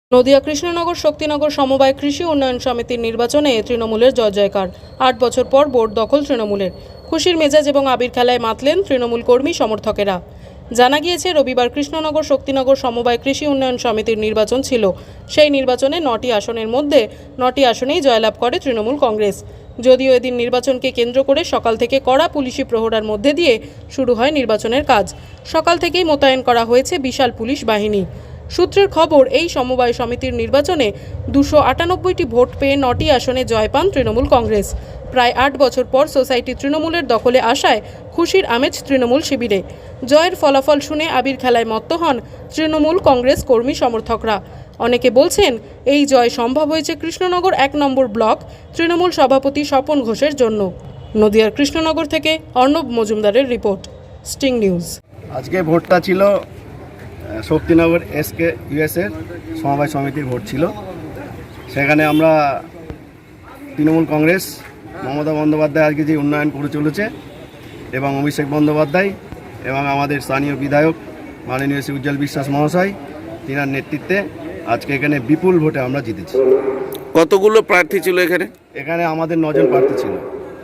নদিয়া কৃষ্ণনগর শক্তিনগর সমবায় কৃষি উন্নয়ন সমিতির নির্বাচনে তৃণমূলের জয়জয়কার। ৮ বছর পর বোর্ড দখল তৃণমূলের। খুশির মেজাজ এবং আবির খেলায় মাতলেন তৃণমূল কর্মী সমর্থকেরা। জানা গিয়েছে, রবিবার কৃষ্ণনগর শক্তিনগর সমবায় কৃষি উন্নয়ন সমিতির নির্বাচন ছিল। সেই নির্বাচনে 9টি আসনের মধ্যে 9টি আসনেই জয়লাভ করে তৃণমূল কংগ্রেস। যদিও এদিন নির্বাচনকে কেন্দ্র করে সকাল থেকে কড়া পুলিশি প্রহরার মধ্যে দিয়ে শুরু হয় নির্বাচনের কাজ। সকাল থেকেই মোতায়েন করা হয়েছে বিশাল পুলিশ বাহিনী। সূত্রের খবর, এই সমবায় সমিতির নির্বাচনে 298টি ভোট পেয়ে 9টি আসনে জয় পান তৃণমূল কংগ্রেস। প্রায় 8 বছর পর সোসাইটি তৃণমূলের দখলে আসায় খুশির আমেজ তৃণমূল শিবিরে। জয়ের ফলাফল শুনে আবির খেলায় মত্ত হন তৃণমূল কংগ্রেস কর্মী সমর্থকরা। অনেকে বলছেন, এই জয় সম্ভব হয়েছে কৃষ্ণনগর 1 নম্বর ব্লক তৃণমূল সভাপতি স্বপন ঘোষের জন্য। নদিয়ার কৃষ্ণনগর থেকে অর্ণব মজুমদারের রিপোর্ট, স্টিং নিউজ। আজকে ভোটটা ছিল শক্তিনগর এসকে ইউএসের সমবায় সমিতির ভোট ছিল। সেখানে আমরা তৃণমূল কংগ্রেস মমতা বন্দ্যোপাধ্যায় আজকে যে উন্নয়ন করে চলেছে এবং অভিষেক বন্দ্যোপাধ্যায় এবং আমাদের স্থানীয় বিধায়ক মাননীয় শ্রী উজ্জ্বল বিশ্বাস মহাশয়, তিনার নেতৃত্বে আজকে এখানে বিপুল ভোটে আমরা জিতেছি। কতগুলো প্রার্থী ছিল এখানে? এখানে আমাদের 9 জন প্রার্থী ছিল।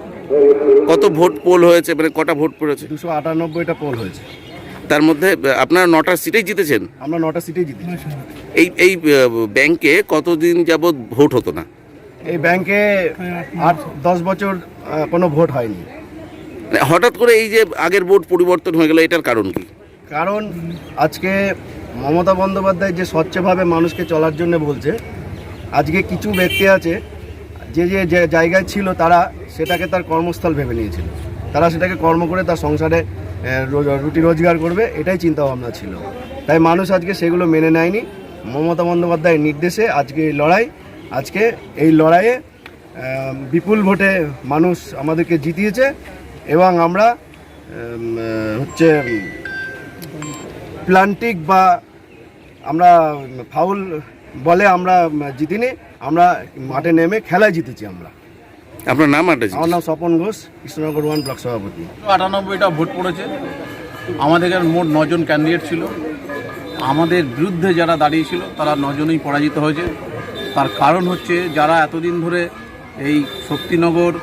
কত ভোট পোল হয়েছে, মানে কটা ভোট পড়েছে? 298টা পোল হয়েছে। তার মধ্যে আপনারা 9টা সিটেই জিতেছেন? আমরা 9টা সিটেই জিতেছি। এই ব্যাংকে কতদিন যাবৎ ভোট হতো না? এই ব্যাংকে 8-10 বছর কোনো ভোট হয়নি। হঠাৎ করে এই যে আগের ভোট পরিবর্তন হয়ে গেল, এটার কারণ কি? কারণ আজকে মমতা বন্দ্যোপাধ্যায় যে স্বচ্ছভাবে মানুষকে চলার জন্য বলছে, আজকে কিছু ব্যক্তি আছে যে যে জায়গায় ছিল তারা সেটাকে তার কর্মস্থল ভেবে নিয়েছিল। তারা সেটাকে কর্ম করে তার সংসারে রুটি রোজগার করবে, এটাই চিন্তাভাবনা ছিল। তাই মানুষ আজকে সেগুলো মেনে নেয়নি। মমতা বন্দ্যোপাধ্যায়ের নির্দেশে আজকে এই লড়াইয়ে বিপুল ভোটে মানুষ আমাদেরকে জিতিয়েছে এবং আমরা প্লান্টিক বা আমরা ফাউল বলে আমরা জিতিনি, আমরা মাঠে নেমে খেলায় জিতেছি। আপনার নাম? আমার নাম স্বপন ঘোষ, কৃষ্ণনগর 1 ব্লক সভাপতি। 98টা ভোট পড়েছে। আমাদের এখানে মোট 9 জন ক্যান্ডিডেট ছিল। আমাদের বিরুদ্ধে যারা দাঁড়িয়েছিল তারা 9 জনই পরাজিত হয়েছে। তার কারণ হচ্ছে, যারা এতদিন ধরে এই শক্তিনগর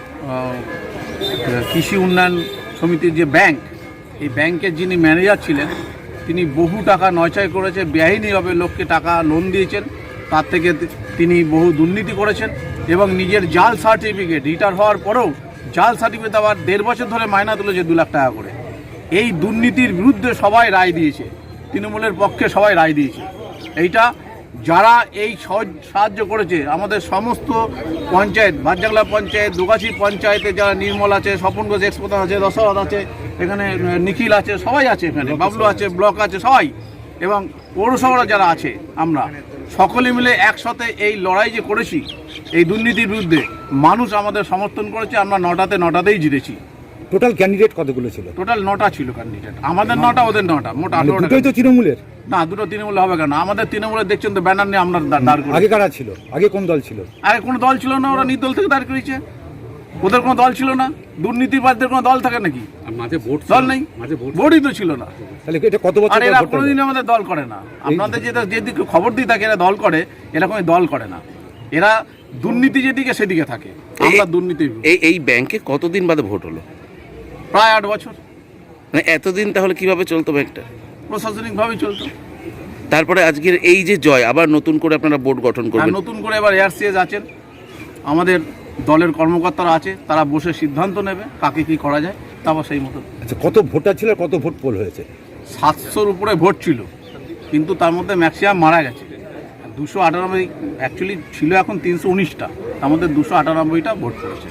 কৃষি উন্নয়ন সমিতির যে ব্যাংক, এই ব্যাংকের যিনি ম্যানেজার ছিলেন, তিনি বহু টাকা নয়ছয় করেছে, বেআইনিভাবে লোককে টাকা লোন দিয়েছেন। তার থেকে তিনি বহু দুর্নীতি করেছেন এবং নিজের জাল সার্টিফিকেট রিটায়ার হওয়ার পরেও জাল সার্টিফিকেট আবার 1.5 বছর ধরে মাইনা তুলেছে 2 লাখ টাকা করে। এই দুর্নীতির বিরুদ্ধে সবাই রায় দিয়েছে, তৃণমূলের পক্ষে সবাই রায় দিয়েছে। এইটা যারা এই সাহায্য করেছে, আমাদের সমস্ত পঞ্চায়েত, ভাটজাংলা পঞ্চায়েত, দুগাছি পঞ্চায়েতে যারা নির্মল আছে, স্বপন ঘোষ এক্সপ্রধান আছে, দশরথ আছে, এখানে নিখিল আছে, সবাই আছে, এখানে বাবলু আছে, ব্লক আছে, সবাই, এবং পৌরসভারা যারা আছে, আমরা সকলে মিলে একসাথে এই লড়াই যে করেছি এই দুর্নীতির বিরুদ্ধে, মানুষ আমাদের সমর্থন করেছে। আমরা 9টাতেই জিতেছি। টোটাল ক্যান্ডিডেট কতগুলো ছিল? টোটাল 9টা ছিল ক্যান্ডিডেট। আমাদের 9টা, ওদের 9টা, মোট 18টা। দুটোই তো তৃণমূলের? না, দুটো তৃণমূল হবে কেন? আমাদের তৃণমূলের দেখছেন তো ব্যানার নিয়ে আমরা দাঁড় করি। আগে কারা ছিল? আগে কোন দল ছিল? আগে কোনো দল ছিল না, ওরা নির্দল থেকে দাঁড় করেছে। ওদের কোনো দল ছিল না। দুর্নীতিবাদদের কোনো দল থাকে নাকি? দল নেই, ভোটই তো ছিল না। তাহলে এটা কত বছর? আর এরা কোনোদিন আমাদের দল করে না। আপনাদের যেদিকে খবর দিয়ে থাকে এরা দল করে, এরা কোনো দল করে না। এরা দুর্নীতি যেদিকে সেদিকে থাকে। আমরা দুর্নীতি। এই ব্যাংকে কতদিন বাদে ভোট হলো? প্রায় 8 বছর। মানে এতদিন তাহলে কিভাবে চলতো ব্যাংকটা? প্রশাসনিকভাবেই চলতো। তারপরে আজকের এই যে জয়, আবার নতুন করে আপনারা বোর্ড গঠন করবেন? নতুন করে এবার এআরসিএস আছেন, আমাদের দলের কর্মকর্তারা আছে, তারা বসে সিদ্ধান্ত নেবে কাকে কি করা যায়, তারপর সেই মতো। আচ্ছা, কত ভোটার ছিল, কত ভোট পোল হয়েছে? 700-র উপরে ভোট ছিল, কিন্তু তার মধ্যে ম্যাক্সিমাম মারা গেছে। 298 অ্যাকচুয়ালি ছিল, এখন 319টা, তার মধ্যে 298টা ভোট পড়েছে।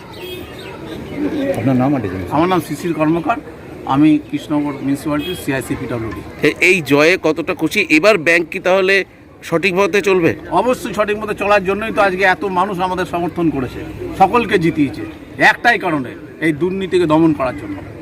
আপনার নাম? আমার নাম শিশির কর্মকার, আমি কৃষ্ণনগর মিউনিসিপ্যালিটির CIC-PWD। এই জয়ে কতটা খুশি? এবার ব্যাংক কি তাহলে সঠিক পথে চলবে? অবশ্যই সঠিক মতো চলার জন্যই তো আজকে এত মানুষ আমাদের সমর্থন করেছে, সকলকে জিতিয়েছে একটাই কারণে, এই দুর্নীতিকে দমন করার জন্য।